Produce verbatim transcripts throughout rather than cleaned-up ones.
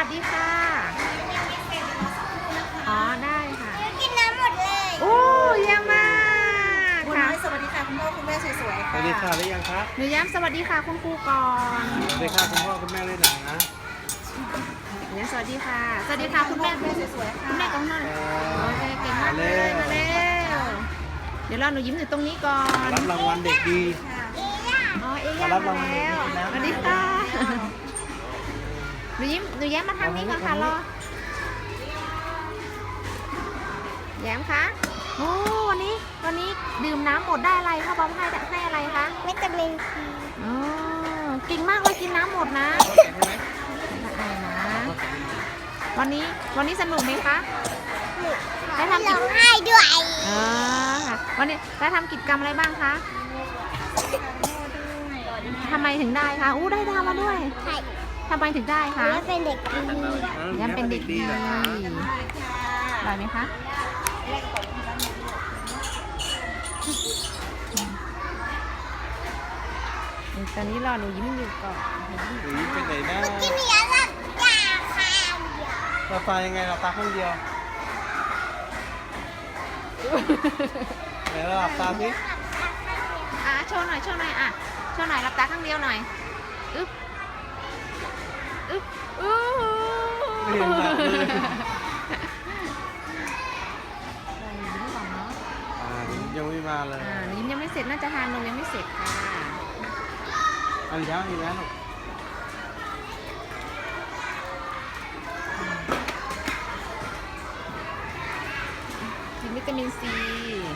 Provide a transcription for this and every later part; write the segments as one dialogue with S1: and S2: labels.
S1: วัสดีค่ะอ๋อได้ค่ะ
S2: กินน้ำหมดเลย
S1: โอ้เยี่ยมมากค่ะ
S2: สวัสดีค่ะคุณพ่อคุณแม่สวยๆ
S3: ส
S2: ค่ะ
S3: วัสดีค่ะได้ยังครับ
S1: หนูย้ำสวัสดีค่ะคุณครูก่อน
S3: สวัสดีค่ะคุณพ่อคุณแม่ด้วยนะ
S1: หนูย้ำสวัสดีค่ะสวัสดีค่ะคุณแม่
S2: แม่สวยๆค่ะ
S1: คุณแม่ของนนท์โอเคเก่งมากเลยมาเร็วเดี๋ยวรอหนูยิ้มอยู่ตรงนี้ก่อน
S3: รับรางวัลเด็กดี
S1: อ๋อเอย่ามาแล้วสวัสดีค่ะหนูยิ้มหนูแย้มมาทางนี้ก่อนค่ะรอแย้มคะโอ้วันนี้วันนี้ดื่มน้ำหมดได้อะไรพ่อบอมให้ให้อะไรคะ
S2: วิตามินซี
S1: อ๋อเก่งมากเลยกินน้ำหมดนะได้นะวันนี้วันนี้สนุกไหมคะได้ทำกิจ
S2: ร้องไห้ด้วย
S1: เออค่ะวันนี้ได้ทำกิจกรรมอะไรบ้างคะทำไมถึงได้คะอู้ได้ดาวมาด้วย
S2: ใช่
S1: ทำไมถึงได้คะ
S2: แล้วเป็นเด็กดี
S1: ย้ำเป็นเด็กดี
S3: เหรอคะ
S1: อร่อยไหมคะตอนนี้รอหนูยิ้มอยู่ก่อน
S3: หรือเป็นไหนนะ
S2: กินเยอะแล้วจ้าค่ะ
S3: เราตายังไงเราตาข้างเดียวไหนเราหลับตาสิ
S1: อ่ะโชว์หน่อยโชว์หน่อยอ่ะโชว์หน่อยหลับตาข้างเดียวหน่อยอึ๊บอึ๊บอู้
S3: ไม่เห็นหลับเลย
S1: รอหนูยิ้มก่อนเนาะ
S3: อ่ายังไม่มาเลย
S1: อ่าหนูยิ้มยังไม่เสร็จน่าจะทานนมยังไม่เสร็จค่ะ
S3: อันนี้ยังอีกแล้วลูก
S1: กินวิตามินซี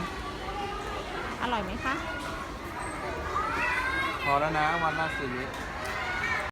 S1: อร่อยไหมคะ
S3: พอแล้วนะวันละสี่เมตร